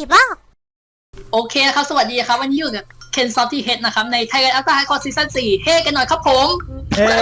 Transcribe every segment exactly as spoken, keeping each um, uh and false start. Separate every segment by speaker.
Speaker 1: บ้าง
Speaker 2: โอเคนะครับสวัสดีครับวันนี้อยู่กับเคนซอฟที่เฮดนะครับใน Thailand After Hardcore Season สี่เฮ้กันหน่อยครับผม
Speaker 3: เฮ้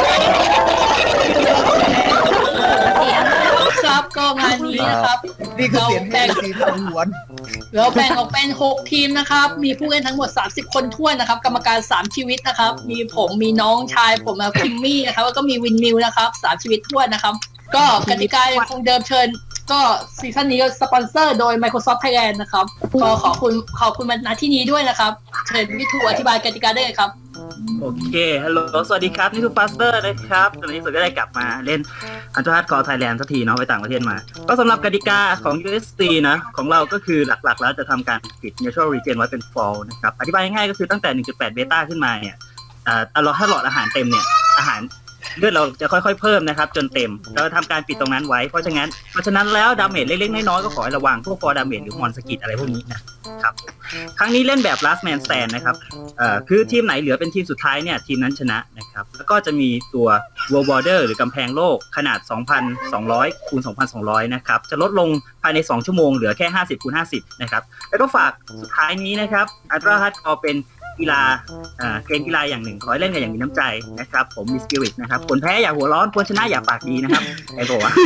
Speaker 2: ครับก็งานนี้นะครับ
Speaker 3: นี่คือเสียงแห่งสีสันหวน
Speaker 2: เราแบ่งออกเป็นหกทีมนะครับมีผู้เล่นทั้งหมดสามสิบคนทั่วนะครับกรรมการสามชีวิตนะครับมีผมมีน้องชายผมนะคิมมี่นะครับแล้วก็มีวินมิวนะครับสามชีวิตทั่วนะครับก็กติกาคงเดิมเชิญก็ซีซั่นนี้ก็สปอนเซอร์โดย Microsoft Thailand นะครับก็ขอบคุณขอบคุณมาณที่นี้ด้วยนะครับเชิญพี่ทูอธิบายกติกาได้เลยครับ
Speaker 4: โอเคฮัลโหลสวัสดีครับนี่ทูฟาสเตอร์นะครับตอนนี้สุดก็ได้กลับมาเล่นอันตรฮาร์ดคอร์ไทยแลนด์สักทีเนาะไปต่างประเทศมาก็สำหรับกติกาของ ยู เอส ซี นะของเราก็คือหลักๆแล้วจะทำการปิด Natural Regen ไว้เป็น Fall นะครับอธิบายง่ายๆก็คือตั้งแต่ หนึ่งจุดแปด เบต้าขึ้นมาเนี่ยอ่าเราถ้าหลอดอาหารเต็มเนี่ยอาหารเลือดเราจะค่อยๆเพิ่มนะครับจนเต็มเราทำการปิดตรงนั้นไว้เพราะฉะนั้นเพราะฉะนั้นแล้วดาเมจเล็กๆน้อยๆก็ขอให้ระวังพวกฟอร์ดาเมจหรือมอนสกิดอะไรพวกนี้นะครับครั้งนี้เล่นแบบ last man stand นะครับเอ่อคือทีมไหนเหลือเป็นทีมสุดท้ายเนี่ยทีมนั้นชนะนะครับแล้วก็จะมีตัว World Border หรือกำแพงโลกขนาด สองพันสองร้อยคูณสองพันสองร้อย นะครับจะลดลงภายในสองชั่วโมงเหลือแค่ห้าสิบคูณห้าสิบนะครับแล้วก็ฝากสุดท้ายนี้นะครับอัลตร้าฮาร์ดคอร์เป็นกีฬาอ่าเกมกีฬาอย่างหนึ่งขอให้เล่นกันอย่างมีน้ำใจนะครับผมมีสปิริตนะครับคนแพ้อย่าหัวร้อนคนชนะอย่าปากดีนะครับไอ้โบวะ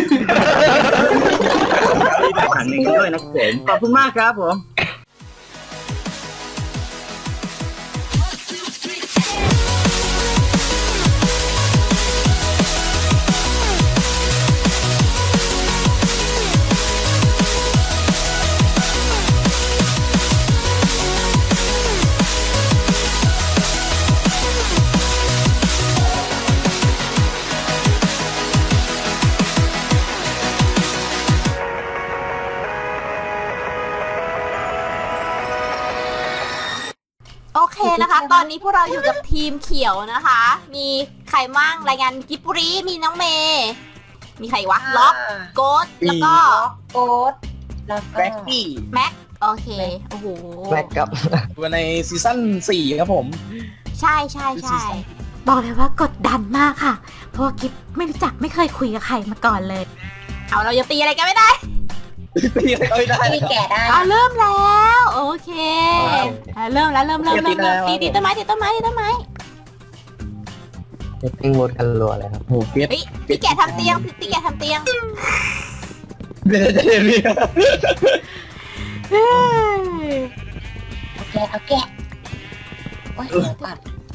Speaker 4: ขังหนึ่งกันด้วยนะครับผมขอบคุณมากครับผม
Speaker 1: โอเคนะคะตอนนี้พวกเราอยู่กับทีมเขียวนะคะมีใครมั่งรายงานกิบปุรีมีน้องเมย์มีใครวะล็อกโกดแล้วก็
Speaker 5: โกดแล้วก็
Speaker 3: แบ็กกี้
Speaker 1: แม็กโอเคโอ้โห
Speaker 3: แบ็กครับวันในซีซั่นสี่ครับผม
Speaker 1: ใช่ใช่ใช่บอกเลยว่ากดดันมากค่ะเพราะว่ากิฟไม่รู้จักไม่เคยคุยกับใครมาก่อนเลยเอาเราจะตีอะไรกันไม่ได้
Speaker 3: ตีอะไรก็ไม่ได้
Speaker 5: ตีแก่ได้
Speaker 1: อ่ะเริ่มแล้วโอเคอ่ะเริ่มแล้วเริ่มเริ่มเริ่มเริ่มตีตีต้นไม้ตีต้นไม้ตีต้นไม้
Speaker 6: ติ้งโหวตกันรัวเลยครับ
Speaker 3: โอ้โหเก็บ
Speaker 1: เฮ้ยพี่แกทำเตียงพี่แกทำเตียง
Speaker 3: เดี๋ยวเดี๋ยวเดี๋ยว
Speaker 1: เฮ้ย
Speaker 5: เอาแกะเอาแกะโอ้ยเดี๋ยวก่อน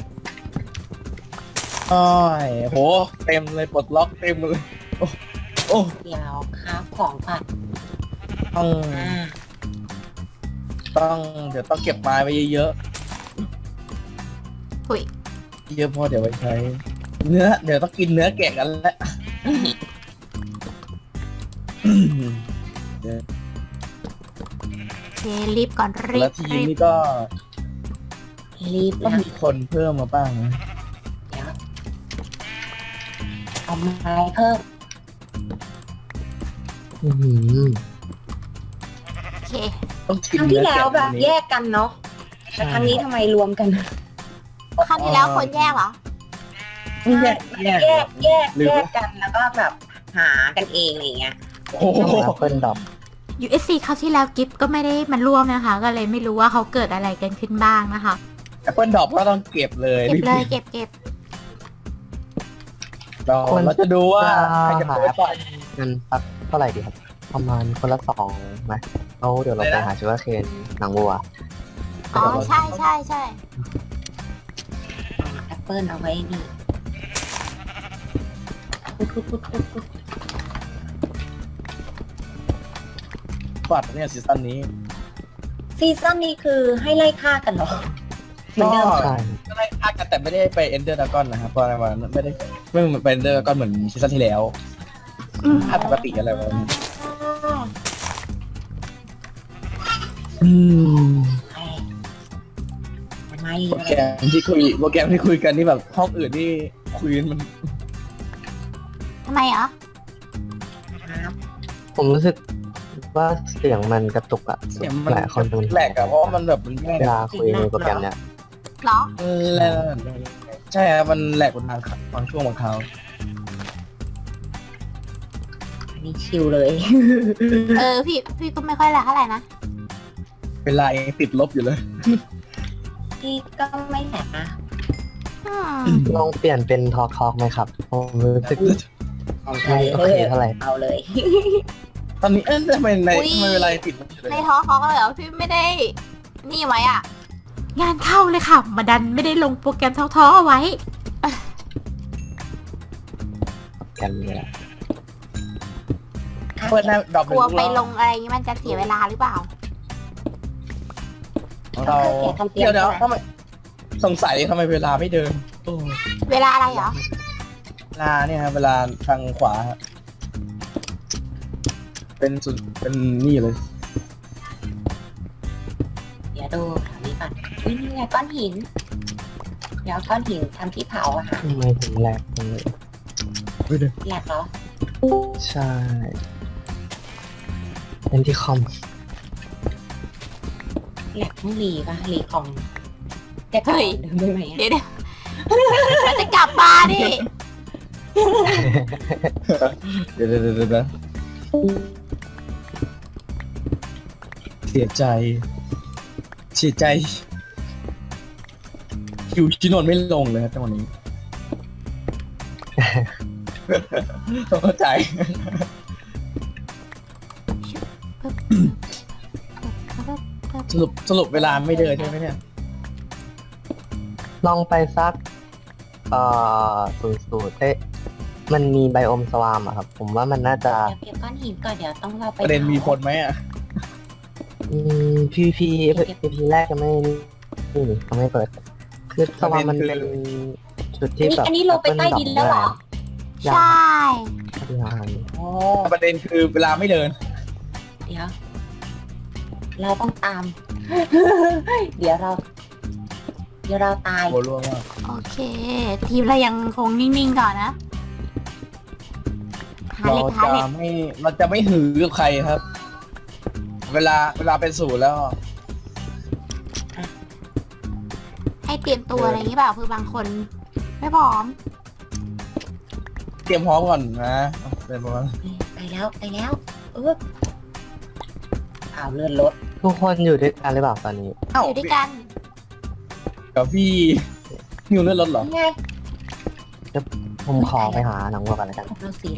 Speaker 3: โอ้ยโหเต็มเลยปลดล็อกเต็มเลยโอ้โอ้
Speaker 5: เดี๋ยวครับของก่อน
Speaker 3: ต้อง
Speaker 5: อ่า
Speaker 3: ต้องเดี๋ยวต้องเก็บไม้ไว้เยอะ
Speaker 1: หุย
Speaker 3: ๆเยอะพอเดี๋ยวไว้ใช้เนื้อเดี๋ยวต้องกินเนื้อแกะกันแล้ว
Speaker 1: โอเครีบก่อนรี
Speaker 3: แล้ว
Speaker 1: บ
Speaker 3: ทีม
Speaker 1: รีบ
Speaker 3: นี้ก็
Speaker 5: รีบ
Speaker 3: ต้อง
Speaker 5: แล้ว
Speaker 3: มีคนเพิ่มมาบ้างนะ
Speaker 5: เดี๋ยวเอาไม้เพิ่ม
Speaker 6: อื้อหือ
Speaker 1: โอเค
Speaker 3: ต้อง
Speaker 5: ค
Speaker 3: กิน
Speaker 5: รั้ง
Speaker 3: เนื้
Speaker 5: ที่
Speaker 3: อ
Speaker 5: แล้ว
Speaker 3: แกะ
Speaker 5: แบบแยกกันเนาะแต่ครั้งนี้ทำไมรวมกัน
Speaker 1: ครั้งที่แล้วคนแยกเหรอ
Speaker 3: แยกแยก
Speaker 5: แยกแยก
Speaker 3: หรือ
Speaker 5: แยกกันแล้วก็แบบหากันเองอะไรเงี้ย
Speaker 3: โอ้โห
Speaker 6: แอปเปิลดรอป
Speaker 1: ยู เอส ซี คราวที่แล้วกิฟก็ไม่ได้มันร่วมนะคะ ก็เลยไม่รู้ว่าเขาเกิดอะไรกันขึ้นบ้างนะคะ
Speaker 3: แอปเปิลดรอปก็ต้องเก็บเลย
Speaker 1: เก็บเลยเก็บเก็บ
Speaker 3: เราเราจะดูว่าใครจะเปิดก่อน
Speaker 6: เงินสักเท่าไหร่ดีครับ ประมาณคนละสองไหมเอาเดี๋ยวเราไปหาชูการ์เคนหนังวัว
Speaker 1: อ๋อใช่ใช่ใช่
Speaker 5: แอปเปิลเอาไว้นี่พุดพุดพุดพุดพุด
Speaker 3: ปัดเนี่ยซีซั่นนี้
Speaker 5: ซีซั่นนี้คือให้ไล่ฆ่ากันเหรอเหมือนเดิม
Speaker 6: ใช่
Speaker 3: ก็ได้พากันแต่ไม่ได้ไปเอนเดอร์ดากอนนะครับเพราะอะไรวะไม่ได้ไม่เหมือนไปเอนเดอร์ดากอนเหมือนซีซั่นที่แล้ว
Speaker 1: อืม
Speaker 3: ภาพปกติอะไรวะอืม
Speaker 5: ทำไม
Speaker 3: โปรแกรมที่คุยโปรแกรมที่คุยกันนี่แบบห้องอื่นนี่คุยกันมัน
Speaker 1: ทำไมเหรอ
Speaker 5: ครับ
Speaker 6: ผมรู้สึกว่าเสียงมันกระตุกอะ
Speaker 3: เสียงมัน
Speaker 6: หลายคนเป็น
Speaker 3: แหลกอะเพราะว่ามันแบบมันแหลก
Speaker 6: เวลาคุยในโปรแกรมเนี้ย
Speaker 1: เหรอ
Speaker 3: แหลกใช่ครับมันแหลกบนทางบางช่วงบางคราว
Speaker 5: อันนี้ชิลเลย
Speaker 1: เออพี่พี่ก็ไม่ค่อยแหละเท่าไหร่นะ
Speaker 3: เวลายังติดลบอยู่เลย
Speaker 5: พี่ก็ไม่แหกนะ
Speaker 1: อืม
Speaker 6: ลองเปลี่ยนเป็นทอล์กทอล์กไหมครับผมรู้สึกไม่โอเคเท่าไหร่
Speaker 5: เอาเลย
Speaker 3: ตอนนี้เอ๊ะทำไมในทำไมเวลายังติดลบอยู่เลย
Speaker 1: ในท้อเขาก็เลยเหรอพี่ไม่ได้ นี่ไว้อ่ะ งานเข้าเลยค่ะ มาดันไม่ได้ลงโปรแกรมท้อๆเอาไว้
Speaker 6: กันเลยอะ
Speaker 3: เปิดหน้าดอก
Speaker 1: กลัวไปลงอะไรอย่างงี้มันจะเสียเวลาหรือเปล่า
Speaker 3: เรา
Speaker 5: แกทำเตรียม
Speaker 3: เดี๋ยวเดี๋ยว
Speaker 5: ใช่ไหม
Speaker 3: ทำไมสงสัยทำไมเวลาไม่เดินโอ้
Speaker 1: เวลาอะไรเหรอ
Speaker 3: เวลาเนี่ยครับเวลาทางขวาฮะเป็นสุดเป็นนี่เลย
Speaker 5: เดี๋ยวดูแถวนี้ก่อนอุ๊ยนี่ไงก้อนหิน เดี๋ยวก้อนหินทำที่เผาอะค่ะ
Speaker 6: ทำไมถึงแหลกจังเลย
Speaker 5: แหลกเหรอ
Speaker 6: ใช่เป็นที่คอม
Speaker 5: แหลกต้องรีป่ะรีของจะกลับ
Speaker 1: เฮ้ย
Speaker 5: เดิมได้ไหมอะ
Speaker 1: เดี๋ยวเดี๋ยวมันจะกลับมาดิ
Speaker 3: เดี๋ยวเดี๋ยวเดี๋ยวเดี๋ยวเสียใจ เสียใจคิวชิโนนไม่ลงเลยครับจังหวะนี้ ต้องเข้าใจ สรุปสรุปเวลาไม่เดินใช่ไหมเนี่ย
Speaker 6: ลองไปสักเอ่อศูนย์ศูนย์เอ๊ะมันมีไบโอมสวามอะครับ ผมว่ามันน่าจะ
Speaker 5: เดี๋ยวเก็บก้อนหินก่อนเดี๋ยวต้องเราไป
Speaker 3: ประเด็นมีผล
Speaker 5: ผ
Speaker 3: ไหมอ่ะ
Speaker 6: อืมพีพีพีพีแรกจะไม่นี่นี่เขาไม่เปิด คือสวามมันเป็นจุดที่
Speaker 5: นี่
Speaker 6: แบบ
Speaker 5: อันนี้ลงไปใต้ดินแล้วเหรอ
Speaker 1: ใช่
Speaker 6: ยาน
Speaker 5: โอ้
Speaker 3: ประเด็นคือเวลาไม่เดิน
Speaker 5: เดี๋ยว เราต้องตาม เดี๋ยวเรา เดี๋ยวเราตาย
Speaker 3: โหร่วงมาก
Speaker 1: โอเค ทีมเรายังคงนิ่งๆก่อนนะ หา
Speaker 3: เรา
Speaker 1: เหล็กหา
Speaker 3: จะ
Speaker 1: เหล็ก
Speaker 3: ไม่เราจะไม่หือกับใครครับ เวลาเวลาเป็นศูนย์แล้ว
Speaker 1: ให้เตรียมตัวอะไรอย่างงี้เปล่าคือบางคน ไม่พร้อม
Speaker 3: เตรียมพร้อมก่อนนะเป็นประมาณ
Speaker 5: ไปแล้วไปแล้วเออข่าวเลื่อนรถ
Speaker 6: ทุกคนอยู่ด้วยกันหรือเปล่าตอนนี้
Speaker 3: เอ้า
Speaker 1: อยู่ด้วยกัน
Speaker 3: กับพี่นิวเลื่อนรถเหรอ
Speaker 5: นี่ไง
Speaker 6: ผมขอไปหาหนังวัวกันแล้วกัน
Speaker 5: ของเราสีอะไร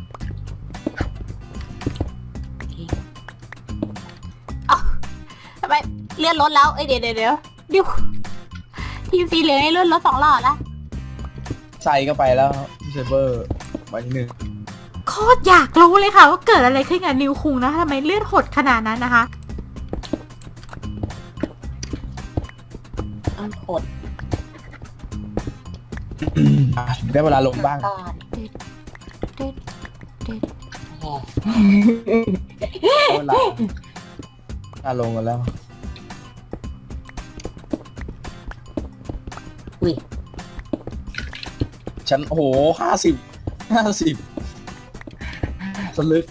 Speaker 1: ทำไมเลื่อนรถแล้ว เอ้ยเดี๋ยวเดี๋ยวเดี๋ยวเดี๋ยวทีมสีเหลืองให้เลื่อนรถสองหลอดละ
Speaker 3: ใส่ก็ไปแล้วเซเบอร์ใบที่หนึ่ง
Speaker 1: โคตรอยากรู้เลยค่ะ ว่าเกิดอะไรขึ้นกับนิวคุงนะทำไมเลื่อนหดขนาดนั้นนะคะ
Speaker 5: ต้องกด
Speaker 3: อ่ะได้เวลาลงบ้าง
Speaker 5: ก่อน
Speaker 1: ตึ๊ดตึ๊ด
Speaker 5: แหม
Speaker 3: ได้เวลาเวลาลงกันแล้ว
Speaker 5: อุ้ย
Speaker 3: ฉันโอ้โหห้าสิบห้าสิบสลึก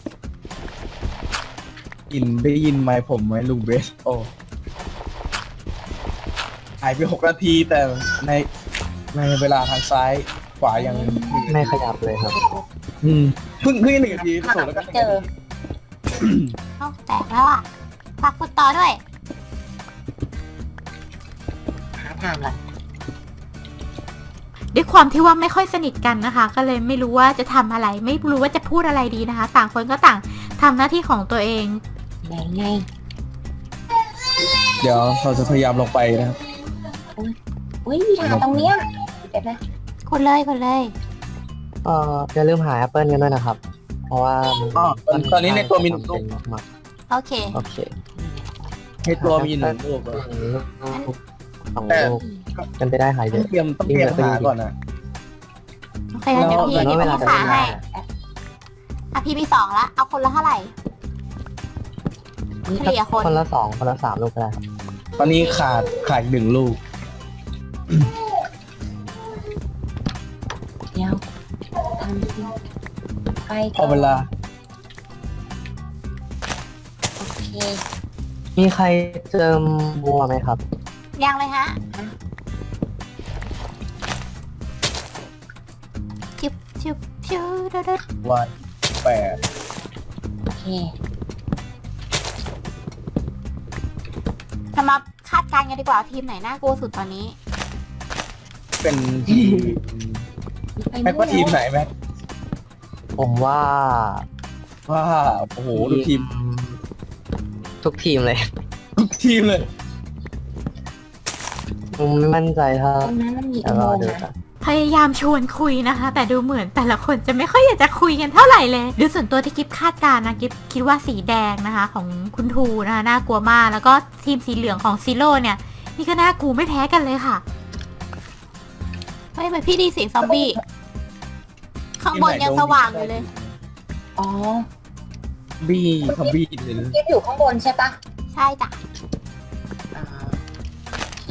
Speaker 3: ยินได้ยินไหมผมไหมลุงเบส โอ้หายไปหกนาทีแต่ในในเวลาทางซ้ายขวายัง
Speaker 6: ไม่ขยับเลยครับ
Speaker 3: อืมเพิ่งเพิ่งหนึ่งนาที
Speaker 5: หา
Speaker 3: ส่งแล้วก็
Speaker 5: ไม่เจอ
Speaker 1: เอ้าแตกแล้วอ่ะฝากคุณต่อด้วย
Speaker 5: หาทางก่อน
Speaker 1: ด้วยความที่ว่าไม่ค่อยสนิทกันนะคะ ก็เลยไม่รู้ว่าจะทำอะไร ไม่รู้ว่าจะพูดอะไรดีนะคะ ต่างคนก็ต่างทำหน้าที่ของตัวเอง
Speaker 5: ไงไง
Speaker 3: เดี๋ยวเราจะพยายามลงไปนะครับ
Speaker 5: อุ้ยมีทางตรงเนี้ยเดี๋ยวนะ
Speaker 1: คนเลยคนเลย
Speaker 6: เอ่ออย่าลืมหาแอปเปิลกันด้วยนะครับ เพราะว่ามัน
Speaker 3: อ๋อตอนตอนนี้ในตัวมีหนึ่งลู
Speaker 6: เป็
Speaker 3: ก
Speaker 6: นมาก
Speaker 1: โอเค
Speaker 6: ๆโอเค
Speaker 3: ในตัวมีหนึ่งลูกอะ
Speaker 6: ลูกสอง
Speaker 3: แต่
Speaker 6: ลูกเป็นไปได้หายเย
Speaker 3: ต้อง
Speaker 6: อะ
Speaker 3: เตรียมต้องเตรียมหาก่อนนะ
Speaker 1: โอเคงั้นเดี๋ยวพี่
Speaker 6: แล้ว
Speaker 1: เดี๋ยว
Speaker 6: เว
Speaker 1: พี่
Speaker 6: ลาจะ
Speaker 1: ขา
Speaker 6: เวลา
Speaker 1: ให้อ่ะพี่มีสองละ เอาคนละเท่าไหร่
Speaker 5: นี่
Speaker 1: เฉลี่ยคน
Speaker 6: คนละสองคนละสามลูกก็ได้ครับ
Speaker 3: ตอนนี้ขาดขาดอีกหนึ่งลูก
Speaker 5: เดี๋ยวทำสิไป
Speaker 3: พอเวลา
Speaker 5: โอเค
Speaker 6: มีใครเจิมบัวไหมครับ
Speaker 1: ยังเลยฮะชิบชิบชิบเด้อเด้อ
Speaker 3: วันแปด
Speaker 5: โอเค
Speaker 1: ทำมาคาดการณ์กันดีกว่าทีมไหนน่ากลัวสุดตอนนี้
Speaker 3: เป็นทีมแม็กว่าทีมไหนแม็ก
Speaker 6: ผมว่า
Speaker 3: ว่าโอ้โหดูทีม
Speaker 6: ทุกทีมเลย
Speaker 3: ทุกทีมเลย
Speaker 6: ผมไม่มั่นใจถ้า
Speaker 5: ตรงนั้นมันมี
Speaker 6: เดี๋
Speaker 5: อุ
Speaker 6: ยว
Speaker 5: โม
Speaker 6: รอง
Speaker 5: ค์
Speaker 6: ดู
Speaker 5: นะ
Speaker 6: ครับ
Speaker 1: พยายามชวนคุยนะคะ แต่ดูเหมือนแต่ละคนจะไม่ค่อยอยากจะคุยกันเท่าไหร่เลยดูส่วนตัวที่กิฟคาดการณ์นะกิฟคิดว่าสีแดงนะคะ ของคุณทูนะคะน่ากลัวมากแล้วก็ทีมสีเหลืองของซีโร่เนี่ยนี่ก็น่ากลัวไม่แพ้กันเลยค่ะเฮ้ยทำไมพี่ดีเสียงซอมบี้ข้างบนยังสว่างอยู่เลย
Speaker 5: อ๋อ
Speaker 3: บี้คอมบี้เลยนะ
Speaker 5: กิ๊บอยู่ข้างบนใช่ปะ
Speaker 1: ใช่จ้ะ
Speaker 5: อ่าโอเค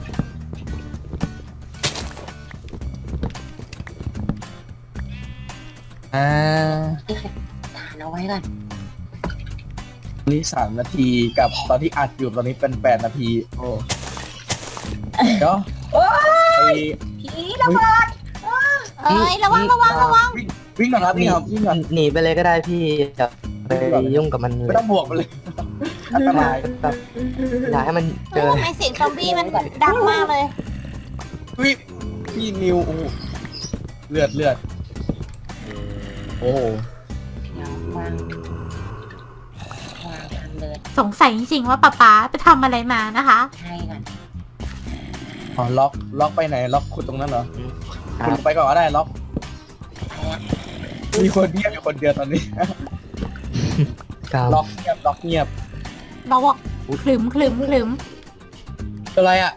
Speaker 3: อ่า
Speaker 5: ฐานเอาไว้ก่อน
Speaker 3: นี่สามนาทีกับตอนที่อัดอยู่ตอนนี้เป็นแปดนาที โอ้เดี๋ยวไอ้
Speaker 5: ผีระเบิด
Speaker 1: เอ้ยระวังระวังระวัง
Speaker 3: วิ่งวิ่งก่อนครับวิ่งครับวิ่งก่อน
Speaker 6: หนีไปเลยก็ได้พี่อย่าไปยุ่งกับมันเล
Speaker 3: ไม่
Speaker 6: ย
Speaker 3: ต้องบวกมันเลย อันตราย
Speaker 6: แบบอยากให้มันเจ
Speaker 1: เฮ้ย
Speaker 6: อ
Speaker 1: ทำไมเสียงซอมบี้มันดังมากเลย
Speaker 3: วิพี่นิวโอ้โหเลือดเลือดโอ้โห
Speaker 5: เดี๋ยววางวางทางเดิน
Speaker 1: สงสัยจริงๆว่าป๊าป๊าไปทำอะไรมานะคะ
Speaker 5: ให้ก่อน
Speaker 3: อ๋อล็อกล็อกไปไหนล็อกขุดตรงนั้นเหรอ
Speaker 6: ครั
Speaker 3: คุณ
Speaker 6: บ
Speaker 3: ไปก่อนก็ได้ล็อก
Speaker 5: ไปละ
Speaker 3: มีคนเงียบอยู่คนเดียวตอนนี้
Speaker 6: ครับ
Speaker 3: ล็อกเงียบล็อกเงียบ
Speaker 1: เราบอกคลึมคลึมคลึม
Speaker 3: อะไรอ่ะ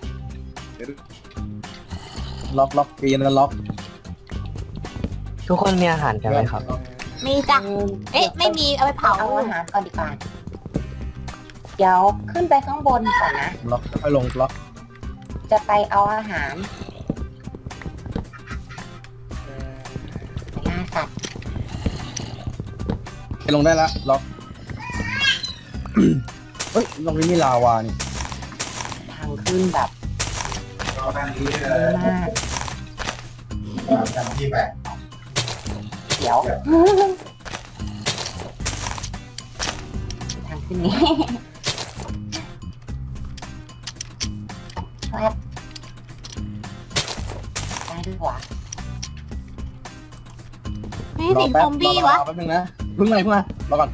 Speaker 3: ล็อกล็อกปีนแล้วล็อก
Speaker 6: ทุกคนมีอาหารกันไหมครับ
Speaker 1: มีจ้ะเอ๊ะไม่มีเอาไปเผา
Speaker 5: เอาอาหารก่อนดีกว่าเดี๋ยวขึ้นไปข้างบนก่อนนะ
Speaker 3: ล็อกแล้วค่อยลงล็อก
Speaker 5: จะไปเอาอาหารไปล่าสัตว์
Speaker 3: ไปลงได้ละล็อกเฮ้ยลงนี้มีลาวานี่
Speaker 5: ทางขึ้นแบบเยอะมากเดี๋ยว ทางขึ้นนี้แป๊บได้ด้วยวะ
Speaker 1: ไม่เสียงซอมบี้วะ
Speaker 3: รอแป๊บนึงนะเพิ่งไงเพิ่งมารอก่อน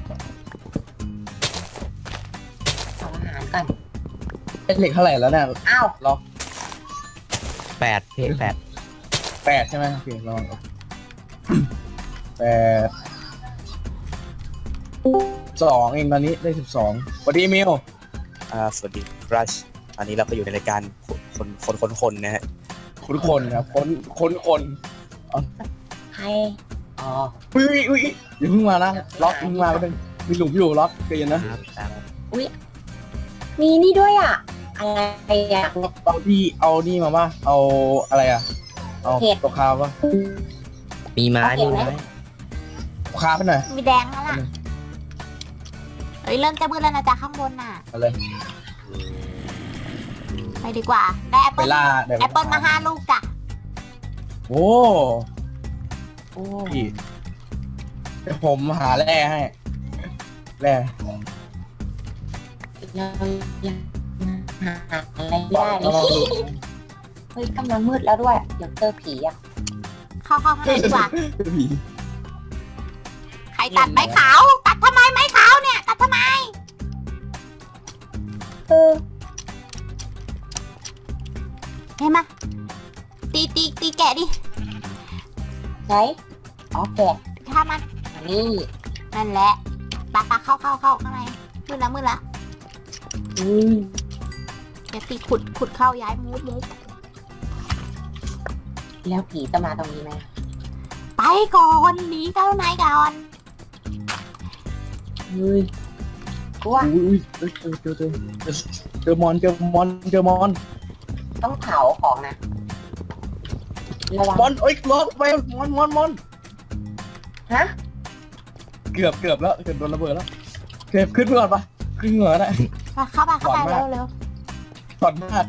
Speaker 5: เอาอาหารก่อน
Speaker 3: เป็นเหล็กเท่าไหร่แล้วเนี่ย
Speaker 5: อ้าว
Speaker 3: ล็อก
Speaker 6: แปดเพแปด
Speaker 3: แปดใช่ไหมโอเคลองแปดสองเองตอนนี้ได้สิบสองสวัสดีมิว
Speaker 7: อ่าสวัสดีครับตอนนี้เราก็อยู่ในรายการคนคนคนคนนะฮะ
Speaker 3: คุณคนครับคนคนคน
Speaker 5: ใครอ๋อ
Speaker 3: อุ้ยอุ้ยอุ้ยอย่าเพิ่งมานะล็อกเพิ่งมาก็เป็นมีหลุมอยู่ล็อกเกยนนะ
Speaker 5: มีนี่ด้วยอ่ะ อะไรอ่ะ
Speaker 3: เอาที่เอานี่มาป่ะเอาอะไรอ่ะเอา
Speaker 5: เห็ด
Speaker 3: ตัวคาป่ะ
Speaker 6: มีไม้มีไม้
Speaker 3: ตัวคาไปหน่อย
Speaker 1: มีแดงแล้วล่ะเฮ้ยเริ่มจะมืดแล้วนะจ๊ะข้างบนน่ะ
Speaker 3: เอาเลย
Speaker 1: ไปดีกว่า ได้แอป
Speaker 3: ไป
Speaker 1: เปิ้ล
Speaker 3: ล่าดี๋ยว
Speaker 1: แอปเปิ้ลมาห้าลูกจ้ะ
Speaker 3: โอ้
Speaker 5: โอ้
Speaker 3: พี่เดี๋ยวผมหาแร่ให้แร่
Speaker 5: เรายังหาอะไรไม่ได้เลยเฮ้ยกำลังมืดแล้วด้วย เดี๋ยวเจอผีอ่ะ
Speaker 1: เข้าเข้าข้างในดีกว่า
Speaker 3: ผี
Speaker 1: ใครตัดไม้ขาวตัดทำไมไม้ขาวเนี่ยตัดทำไม
Speaker 5: เออ
Speaker 1: เห็นไหมตีตีตีแกะดิ
Speaker 5: ไหนอ๋อแกะ
Speaker 1: ถ้ามัน
Speaker 5: อันนี้
Speaker 1: นั่นแหละปลาปลาเข้าเข้าเข้าข้างในมืดแล้วมืดแล้ว
Speaker 5: อืม
Speaker 1: เดี๋ยวตีขุดขุดเข้าย้ายมูฟมูฟ
Speaker 5: แล้วผีจะมาตรงนี้ไหม
Speaker 1: ไปก่อนหนีเข้าในก่อน
Speaker 5: เฮ้ยกลัว
Speaker 3: อุ้ยอุ้ยเจอเจอเจอเจอเจอมอนเจอมอนเจอมอน
Speaker 5: ต้องเผาของนะ ระวัง
Speaker 3: มอนเอ้ยล็อกไปมอนมอนมอน
Speaker 5: ฮะ
Speaker 3: เกือบเกือบแล้วเกือบโดนระเบิดแล้วเกือบขึ้นไปก่อนปะขึ้นเหงื่อนะ
Speaker 1: มาเข้าไปเข้าไป
Speaker 3: ก่อน
Speaker 1: เร็
Speaker 3: มาก
Speaker 1: วเร็ว
Speaker 3: ถอดมาก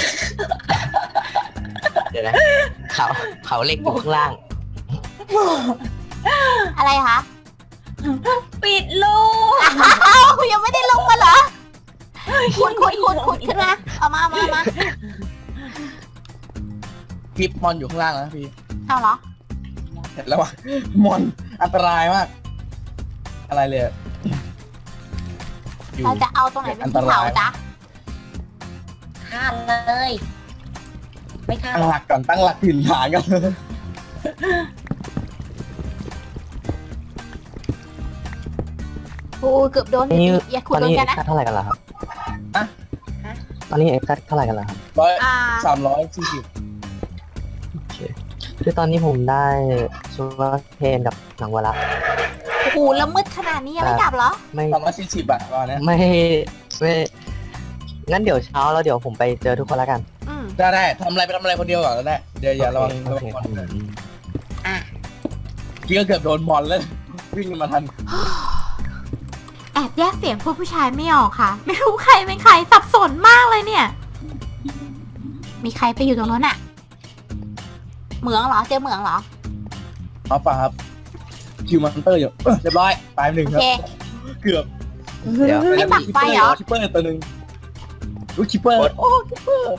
Speaker 6: เดี๋ยวนะเขาเขาเหล็กอยู่ข้างล่าง
Speaker 1: อะไรคะ
Speaker 5: ปิดลูก
Speaker 1: อ้าวยังไม่ได้ลงมาเหรอขุดขุดขุดขุดขึ้นมาเอามาเอามาเอามา
Speaker 3: คลิปมอนอยู่ข้างล่างแล้วนะพี่
Speaker 1: เอาเหรอ
Speaker 3: เห็นแล้วว่ะมอนอันตรายมาก อะไรเลยอะอยู่
Speaker 1: เราจะเอาตรงไหนเป็นที่เผาจ๊ะ
Speaker 5: ฆ่าเลย ไม่ฆ่า
Speaker 3: ตั้งหลักก่อนตั้งหลักถิ่นฐานกัน
Speaker 1: โอ้เกือบโดน
Speaker 6: นี่
Speaker 1: อย่าขุ
Speaker 6: ต
Speaker 1: ด
Speaker 6: อน
Speaker 1: โดน
Speaker 6: นี้
Speaker 1: กันนะ
Speaker 6: ค่าเท่าไหร่กันแล้วครับ
Speaker 3: อะ
Speaker 6: ตอนนี้เอ็กซ์เท่าไหร่กันแล้วครับ
Speaker 3: ร้อย
Speaker 1: อ่า
Speaker 3: สามร้อยสี่สิบ
Speaker 6: โอเคคือตอนนี้ผมได้ซูเปอร์เทนกับหนังวัวละ
Speaker 1: โอ้โหแล้วมืดขนาดนี้ยังไม่กลับเหรอ
Speaker 6: ไม่
Speaker 3: สามร้อยสี่สิบบาทประมาณเนี้ย
Speaker 6: ไม่ไม่งั้นเดี๋ยวเช้าแล้วเดี๋ยวผมไปเจอทุกคนแล้วกัน
Speaker 1: อืม
Speaker 3: ได้ได้ทำอะไรไปทำอะไรคนเดียวก่อนก็ได้ เดี๋ยวอย่าระวัง
Speaker 6: โอ
Speaker 3: ระวั
Speaker 6: เค
Speaker 3: งมอน
Speaker 6: อืม
Speaker 3: พี่ก็เกือบโดนมอนแล้ว วิ่งมาทัน
Speaker 1: แอบแยกเสียงพวกผู้ชายไม่ออกค่ะ ไม่รู้ใครเป็นใครสับสนมากเลยเนี่ย มีใครไปอยู่ตรงนั้นอะเหมืองเหรอเจอเหมืองเหรอ
Speaker 3: เอาป่ะครับคิวมันเตอร์อยู่เออเรียบร้อยตายไปหนึ่ง
Speaker 1: โอ
Speaker 3: ครับ
Speaker 1: เค
Speaker 3: เกือบ
Speaker 6: เดี๋ยว
Speaker 1: ไม่ปักไฟเหรอ
Speaker 3: คิปเปอร์ตัวหนึ่งลูกคิปเปอร์โอ้คิปเปอร์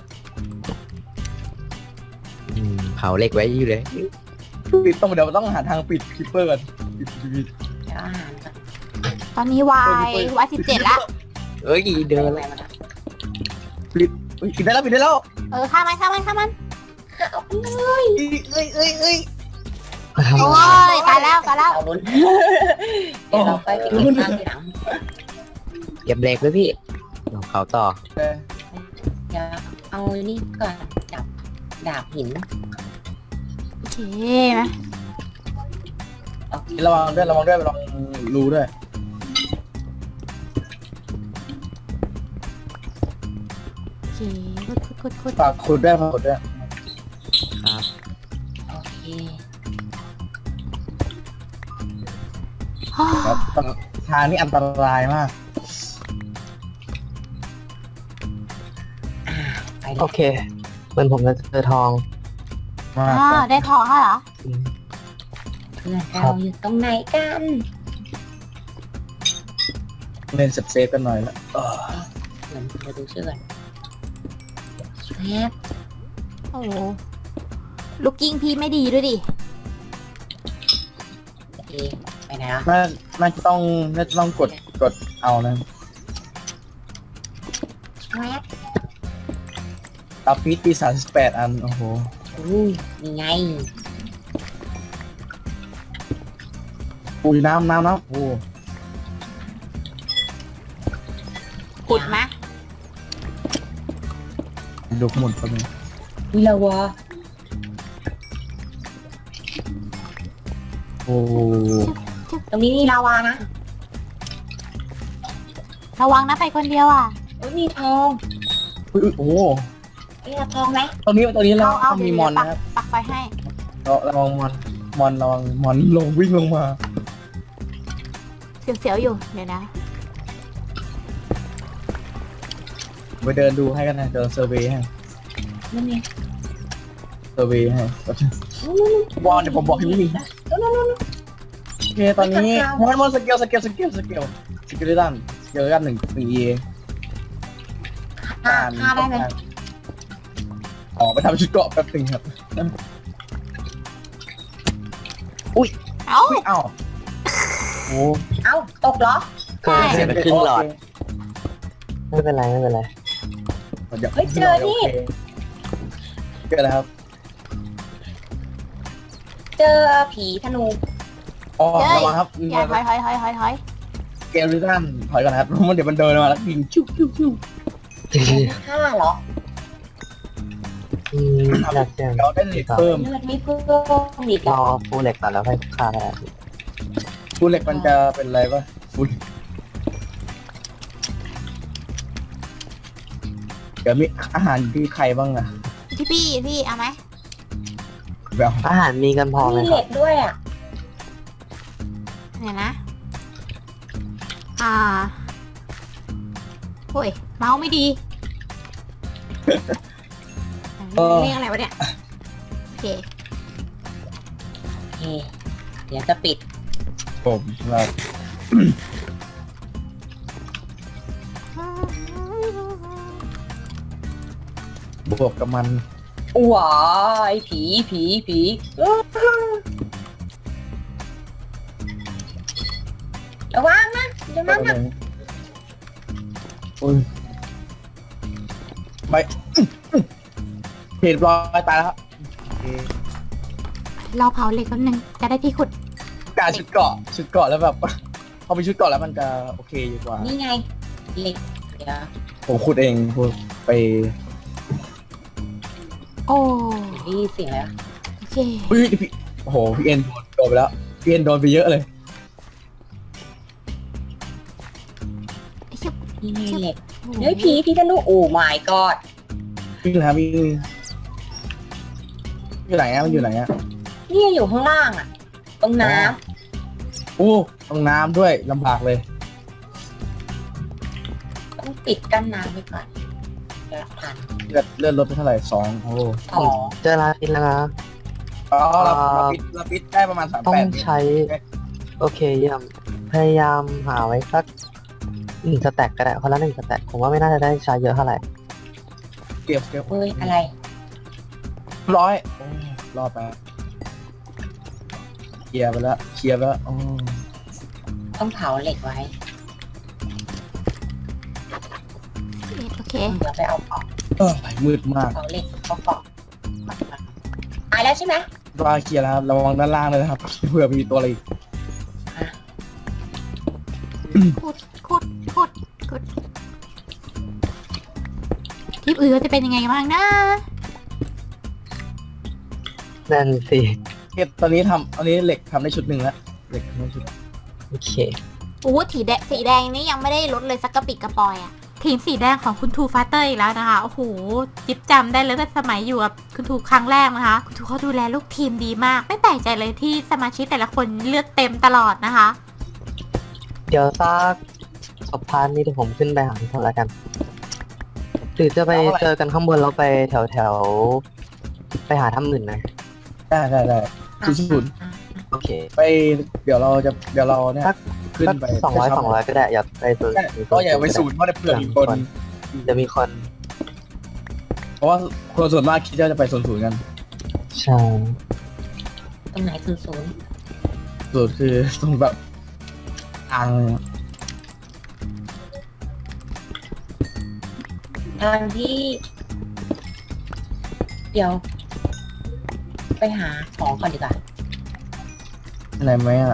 Speaker 8: อืมเผาเหล็กไว้อยู่เลย
Speaker 3: ปิดต้องเดี๋ยวต้องหาทางปิดคิปเปอร์ก่อนปิดปิดปิด
Speaker 5: เดี๋ยวอาหารก่อน
Speaker 1: ตอนนี้วายวายสิบเจ็ดละ
Speaker 8: เอ้ยเดิน
Speaker 5: อะไรมานะ
Speaker 3: ปิดอุ๊ยปิดได้แล้วปิดได้แล้ว
Speaker 1: เออฆ่ามันฆ่ามันฆ่ามัน
Speaker 5: เอาไปเลย
Speaker 3: เอ้ยเอ้ยเอ้ยเอ้ย
Speaker 1: โอ้ยตายแล้วตายแล้ว
Speaker 5: เอาลุ้นเดี๋ยวเราไปปิดข้างทีหลัง
Speaker 8: เก็บเหล็กไว้พี่เดี๋ยวเผาต่อ
Speaker 3: เออ
Speaker 5: เดี๋ยวเอานี่ก่อนจับดาบหิน
Speaker 1: โอเคนะ
Speaker 3: ระวังด้วยระวังด้วยระวังรูด้วย
Speaker 1: โอเคขุดขุดขุดขุด
Speaker 3: ฝากขุดด้วยฝากขุดด้วย
Speaker 8: ครับ
Speaker 5: โอเค
Speaker 1: ฮ่า
Speaker 3: ครับทางนี้อันตรายมาก
Speaker 5: ไปเล
Speaker 6: โอย เคเหมือนผมจะเจอทอง
Speaker 3: มาก
Speaker 1: อ่าได้ทองแล้วเหรอ
Speaker 6: อืม
Speaker 5: เพื่อนเราอยู่ตรงไหนกัน
Speaker 3: เล่นเซฟเซฟกันหน่อยละเออ
Speaker 5: เหมือนเราดูชื่อก่อนแชท
Speaker 1: โอ้โหลูกกิ้งพี่ไม่ดีด้วยดิ
Speaker 5: โอเคไปไหนอ่ะ
Speaker 3: น่าน่าจะต้องน่าจะต้องกดกดเอานะ
Speaker 5: แชท
Speaker 3: ตาพีตีสามสิบแปดอันโอ้โห
Speaker 5: อู้นี่ไง
Speaker 3: อุ้ยน้ำน้ำน้ำโอ้
Speaker 1: ขุดมะ
Speaker 3: ดูหมุนไปเลย
Speaker 5: วิลาวะ
Speaker 3: โอ้
Speaker 5: ตรงนี้มีลาวานะ
Speaker 1: ระวังนะไปคนเดียวอ่ะ
Speaker 5: โอ้ยมีทอง
Speaker 3: อุ๊ยอุ๊ยโอ้
Speaker 5: เอ้ยเอาทองไหม
Speaker 3: ตรงนี้ตรงนี้เรา
Speaker 1: เอาเอา
Speaker 3: ต้องมี
Speaker 1: เดี๋ยว
Speaker 3: มอน
Speaker 1: ปัก
Speaker 3: นะครับ
Speaker 1: ปักไปให้
Speaker 3: เราระวังมอนมอนระวังมอนลงวิ่งลงมา
Speaker 1: เสียวๆอยู่เดี๋ยวนะ
Speaker 3: ไปเดินดูให้กันนะเดินเซอร์เวย์ให้
Speaker 5: นั่นไง
Speaker 3: เซอร์เวย์ให้วอนเดี๋ยวผมบอกให้วิ่งโอเคตอนนี้มอนมอนสเกลสเกลสเกลสเกลสเกลด้านสเกลด้านหนึ่งหนึ่งเอ
Speaker 5: ฆ่าฆ่าได้ไหม
Speaker 3: ออกไปทำชุดเกราะแป๊บหนึงครับ
Speaker 1: เอ้า
Speaker 3: อุ้ยเอ้าโอ้
Speaker 5: เอ้าตกเหรอ
Speaker 1: ใช่
Speaker 8: เสียไปครึ่งหลอด
Speaker 6: ไม่เป็นไรไม่เป็นไร
Speaker 3: ดี๋ว
Speaker 5: เฮ้ยเจอนี่
Speaker 3: เจอแล้วครับ
Speaker 5: เจอผีธนู
Speaker 3: อ๋อระวังครับ
Speaker 1: อย่าถอยถอยถอยถอยถอย
Speaker 3: เกลลิซันถอยก่อนนะครับเพราะมันเดี๋ยวมันเดินมาแล้วยิงชิวชิวชิว
Speaker 5: ฆ่าเหรอ
Speaker 6: อืมอยากจะ
Speaker 3: เราได้เหล็กเพิ่ม
Speaker 5: เลือดไม่เพิ่มอีก
Speaker 6: ร
Speaker 5: เหร
Speaker 6: อ
Speaker 5: อ
Speaker 6: ฟูเหล็กก่อนแล้วค่อยฆ่าได้
Speaker 3: ฟูเหล็กมันจะเป็นอะไรปะฟูเดี๋ยวมีอาหารอยู่ที่ใครบ้างอะ
Speaker 1: ที่พี่พี่เอาไหม
Speaker 3: แบบ
Speaker 6: อาหารมีกันพอไหม
Speaker 5: มี
Speaker 6: ค
Speaker 5: เห
Speaker 6: รั
Speaker 5: ล็
Speaker 6: บ
Speaker 5: กด้วยอ่ะ
Speaker 1: เนี่ยนะ อ่าโอ้ยเมาส์ไม่ดีเรียกอะไรวะเนี่ยโอเค
Speaker 5: โอเค เดี๋ยวจะปิด
Speaker 3: ผมแบบบวกกับมัน
Speaker 5: ว้ายผีผีผีระวังนะเดี๋ยวมันนะ
Speaker 3: โอ้ยไปเห็นรอยตายแล้วครับ
Speaker 1: เราเผาเหล็กแป๊บนึงจะได้ที่ขุด
Speaker 3: การชุดเกาะชุดเกาะแล้วแบบ พอมีชุดเกาะแล้วมันจะโอเคอยู่กว่า
Speaker 5: นี่ไงเหล็กเดี๋ยว
Speaker 3: ผมขุดเองพูดไป
Speaker 1: โอ้
Speaker 5: นี่เสียงแล้ว
Speaker 1: โอเค
Speaker 3: อุ้ยพี่โอ้โหพี่เอ็นโดนโดนไปแล้วพี่เอ็นโดนไปเยอะเลย
Speaker 1: ไอ้เหี้ย
Speaker 5: นี่ไงเหล็ก
Speaker 1: โอ้
Speaker 5: เฮ้ยผีผีธนูโอ้ my god
Speaker 3: วิ่งแล้ววิ่งอยู่ไหนอะมันอยู่ไหนอะ
Speaker 5: นี่อยู่ข้างล่างอ่ะ ตรงน้
Speaker 3: โอ้ตรงน้ำด้วยลำบากเลย
Speaker 5: ำต้องปิดกั้นน้ำไว้ก่อนเดี๋ยวผ่าน
Speaker 3: เลือดเลือดลดไปเท่าไหร่สองโอ้
Speaker 5: สอง
Speaker 6: เจอลาปิดแล้วนะ
Speaker 3: อ๋อเราเราปิดเราปิดได้ประมาณสาม
Speaker 6: ต้อง
Speaker 3: แปด
Speaker 6: ใช้ โอเคเยี่ยมพยายามหาไว้สักหนึ่งสแต็กก็ได้คนละหนึ่งสแต็กผมว่าไม่น่าจะได้ใช้เยอะเท่าไหร่
Speaker 3: เก็บเก็บ
Speaker 5: เฮ้ยอะไร
Speaker 3: ร้อยโอ้รอดไปเคลียร์ไปแล้วเคลียร์ไปแล้วโอ้
Speaker 5: ต้องเผาเหล็กไว้
Speaker 1: โอเค
Speaker 5: เดี๋ยวไปเอาเกาะ
Speaker 3: เออมืดมาก
Speaker 5: เผาเหล็กเอาเกาะตายแล้วใช่ไหม
Speaker 3: รอเคลียร์แล้วครับระวังด้านล่างเลยนะครับเผื่อมีตัวอะไรอีก
Speaker 1: ขุดขุดขุดขุดคลิปอื่นจะเป็นยังไงบ้างนะ
Speaker 6: นั่นสิ
Speaker 3: เก็บตอนนี้ทำอันนี้เหล็กทำได้ชุดหนึ่งแล้วเหล็กทำได้ชุด
Speaker 6: โอเค
Speaker 1: โอ้สีแดงสีแดงนี่ยังไม่ได้ลดเลยสักกระปิดกระปอยอะทีมสีแดงของคุณทูฟาเตอร์อีกแล้วนะคะโอ้โหจิ๊บจำได้เลยตั้งแต่สมัยอยู่กับคุณทูครั้งแรกนะคะคุณทูเขาดูแลลูกทีมดีมาก ไม่แปลกใจเลยที่สมาชิกแต่ละคนเลือดเต็มตลอดนะคะ
Speaker 6: เดี๋ยวซากศพพานนี้เดี๋ยวผมขึ้นไปหาทุกคนแล้วกัน หรือจะไปเจอกันข้างบนแล้วไปแถวแถวๆไปหาถ้ำอื่นนะ
Speaker 3: ได้ได้ได้ศูนย์ศูนย์
Speaker 6: โอเค
Speaker 3: ไปเดี๋ยวเราจะเดี๋ยวเราเนี่ย
Speaker 6: สัก
Speaker 3: ขึ้น
Speaker 6: สัก
Speaker 3: ไป
Speaker 6: สองร้อยสองร้อยก็ได้อย่าไปศูนย์
Speaker 3: ใช่ก็อย่าไปศูนย์เพราะเผื่อมีคน
Speaker 6: จะมีคน
Speaker 3: เพราะว่าคนส่วนมากคิดว่าจะไปศูนย์ศูนย์กัน
Speaker 6: ใช่
Speaker 5: ตรงไหนศูนย์ศูนย์
Speaker 3: ศูนย์คือตรงแบบทางเลยอะ
Speaker 5: ทางที่ เดี๋ยว ไปหาของก่อนดีกว่า
Speaker 3: อะไรไหมอ่ะ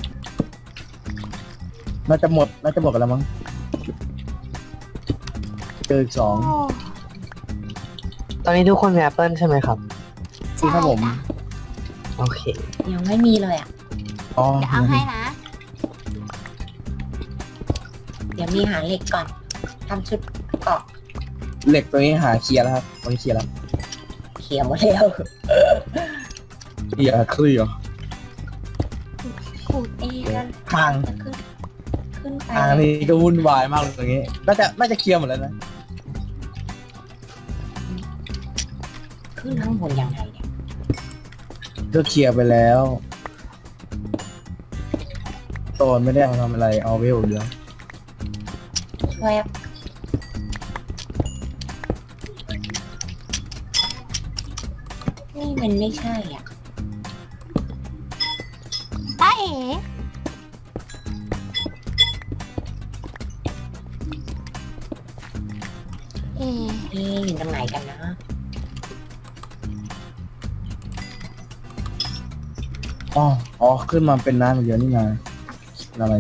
Speaker 3: น่าจะหมดน่าจะหมดกันแล้วมั้งเจออีกสอง
Speaker 1: โอ้
Speaker 6: ตอนนี้ทุกคนมีแอปเปิลใช่ไหมครับ
Speaker 3: คือครับผม
Speaker 6: โอเค
Speaker 5: ยังไม่มีเลยอ่ะ
Speaker 3: อ๋อ
Speaker 1: เดี๋ยวเอาให้นะ
Speaker 5: เดี๋ยวมีหาเหล็กก่อนทำชุดเกาะ
Speaker 3: เหล็กตัวนี้หาเคลียร์แล้วครับตอนนี้เคลียร์แล้ว
Speaker 5: เขียวหมดแล้ว
Speaker 3: เคลียร์เคลียร์
Speaker 1: ขุด
Speaker 5: เอ๊ะแล้ว
Speaker 3: ทาง
Speaker 5: จะขึ้น ขึ้นไป
Speaker 3: ทางนี้ก็วุ่นวายมากเลยตรงนี้น่าจะน่าจะเคลียร์หมดแล้วนะ
Speaker 5: ขึ้นข้างบนยังไงเนี่ย
Speaker 3: ก็เคลียร์ไปแล้วตอนไม่ได้เอาทำอะไรเอาเวลเดียว
Speaker 5: ช่วยนี่มันไม่ใช่อ่ะ
Speaker 1: ตาเอ๋เอ๋
Speaker 5: นี่อยู่ตรงไหนกันนะ
Speaker 3: อ๋ออ๋อขึ้นมาเป็นน้ำอย่างเดียวนี่นาอะไร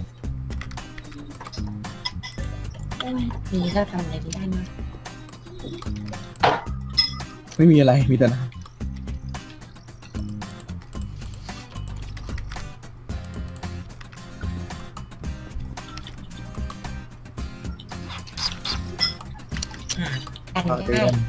Speaker 5: โอ้ยนี่เราทำอะไรไม่ได้เนอะ
Speaker 3: ไม่มีอะไรมีแต่น้
Speaker 5: กัน
Speaker 3: ำเอาเตื
Speaker 5: ได้
Speaker 3: อน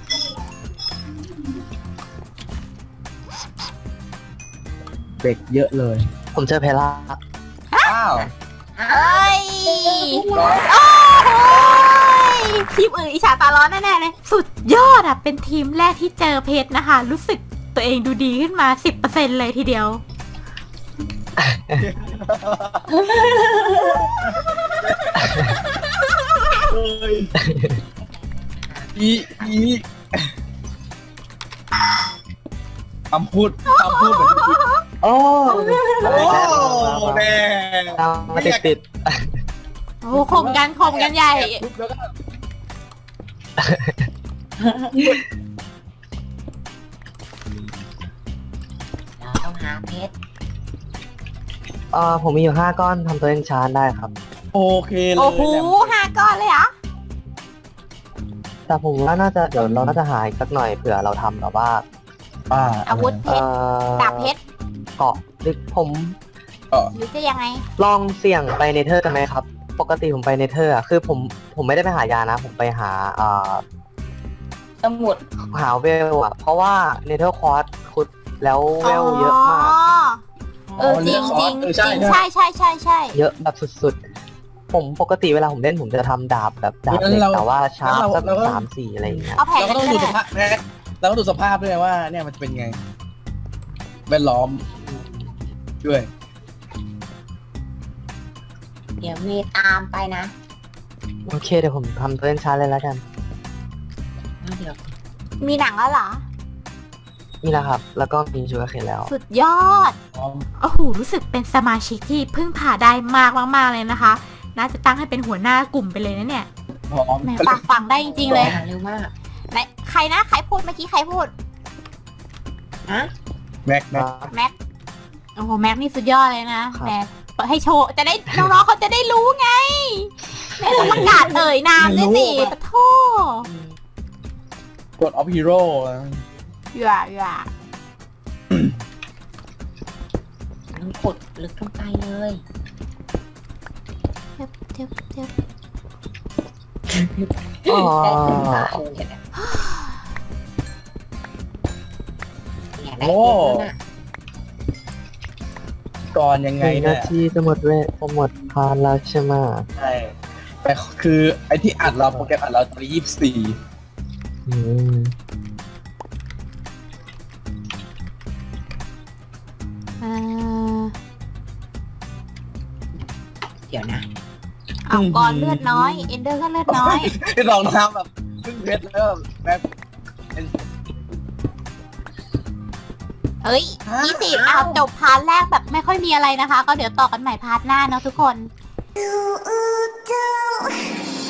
Speaker 3: เด็กเยอะเลย
Speaker 6: ผมเจอเพล่า
Speaker 3: อ้าว
Speaker 1: เอ้ยโอ้โหทีมอื่นอิจฉาตาร้อนแน่ๆเลย สุดยอดอ่ะ เป็นทีมแรกที่เจอเพชรนะคะ รู้สึกตัวเองดูดีขึ้นมา สิบเปอร์เซ็นต์ เลยทีเดียว
Speaker 3: อีอีคำพูดคำพูดเหมือนที่
Speaker 6: โอ้
Speaker 3: โอ้แม่
Speaker 6: ตามมาติดติด
Speaker 1: โอ้ข่มกันข่มกันใหญ่
Speaker 3: ปุ๊บแล้วก็
Speaker 5: เราต้องหาเพชร
Speaker 6: เอ่อผมมีอยู่ห้าก้อนทำตัวเองชานได้ครับ
Speaker 3: โอเคเลย
Speaker 1: โอ้โห
Speaker 3: แหลม
Speaker 1: ห้าก้อนเลยเหรอ
Speaker 6: แต่ผมว่าน่าจะเดี๋ยวเราน่าจะหาอีกสักหน่อยเผื่อเราทำแบบว่า
Speaker 3: อ่า
Speaker 1: อาวุธเพ
Speaker 6: เอ่
Speaker 1: ชร
Speaker 6: อ
Speaker 1: ดาบเพชร
Speaker 6: เกาะหรือผม
Speaker 1: หรือจะยังไง
Speaker 6: ลองเสี่ยงไปเนเธอร์กันไหมครับ ปกติผมไปเนเธอร์อะคือผมผมไม่ได้ไปหายานะ ผมไปหาเอ่อ
Speaker 5: สมุด
Speaker 6: หาเวลอะเพราะว่าเนเธอร์คอร์สขุดแล้วเวลเยอะมาก
Speaker 1: เออจริงจริง
Speaker 3: เออ
Speaker 1: จ
Speaker 3: ใช่
Speaker 1: ริง
Speaker 3: ใช่
Speaker 1: ใช่ใช่ใช่ใช่
Speaker 6: เยอะแบบสุดๆ ผมปกติเวลาผมเล่นผมจะทำดาบแบบดาบเหล็กแต่ว่าชาร์ปสักสามสี่อะไรอย่างเงี้ย
Speaker 1: เอาแผง
Speaker 3: เราก็ต้อง
Speaker 1: นี้
Speaker 3: ดู
Speaker 1: ก็
Speaker 3: ส
Speaker 1: ได้
Speaker 3: ภาพแม่เราก็ดูสภาพด้วยว่า เนี่ยมันจะเป็นไงแวดล้อมด้วย
Speaker 5: เดี๋ยวมีตามไปนะ
Speaker 6: โอเคเดี๋ยวผมทำตัวเองชาร์ปเลยแล้วกัน
Speaker 5: แล้วเดี๋ยว
Speaker 1: มีหนังแล้วเหรอ
Speaker 6: นี่แหละครับ แล้วก็มีชูการ์เคนแล้ว
Speaker 1: สุดยอด
Speaker 3: พร้อม
Speaker 1: โอ้โห รู้สึกเป็นสมาชิกที่พึ่งพาได้มากมากๆเลยนะคะ น่าจะตั้งให้เป็นหัวหน้ากลุ่มไปเลยนะเนี่ย
Speaker 3: พร้อม
Speaker 1: แหมฟังฟังได้จริงๆเลย
Speaker 5: หาเร็วมาก
Speaker 1: ไหนใครนะ ใครพูดเมื่อกี้ใครพูด
Speaker 5: ฮะ
Speaker 3: แม็กแม็ก
Speaker 1: แม็ก โอ้โห แม็กนี่สุดยอดเลยนะแหมเปิดให้โชว์ จะได้น้องๆเขาจะได้รู้ไงแม่ต้องประกาศเอ่ยนามด้วยสิปะโท
Speaker 3: กดออฟฮีโร่
Speaker 1: อย่าอย่า
Speaker 5: ต้องขุดลึกลงไปเลย
Speaker 1: เทียบเทียบเทียบ
Speaker 6: อ๋อ
Speaker 5: ได้ถึงตาเลยเนี่ยเนี่ยได้เพชรแล้วน่ะ
Speaker 3: ก่อนยัง
Speaker 6: ห
Speaker 3: ไง
Speaker 6: นึ่ง
Speaker 3: เนี่
Speaker 6: นาย ทีจะหมดเวทจะหมดพานแล้วใช่ไหม
Speaker 3: ใช่แต่คือไอที่อัดเราโปรแกรมอัดเราตอนยี่สิบสี่
Speaker 6: อืม
Speaker 1: เอ่อ
Speaker 5: เดี๋ยวนะ
Speaker 1: เอาก่อนเลือดน้อย เอนเดอร์ก็เลือดน้อย
Speaker 3: ที่ลองทำแบบพึ่งเพชรแล้วแบบ
Speaker 1: เอ้ยยี่สิบเอาจบพาร์ทแรกแบบไม่ค่อยมีอะไรนะคะ ก็เดี๋ยวต่อกันใหม่พาร์ทหน้าเนาะทุกคน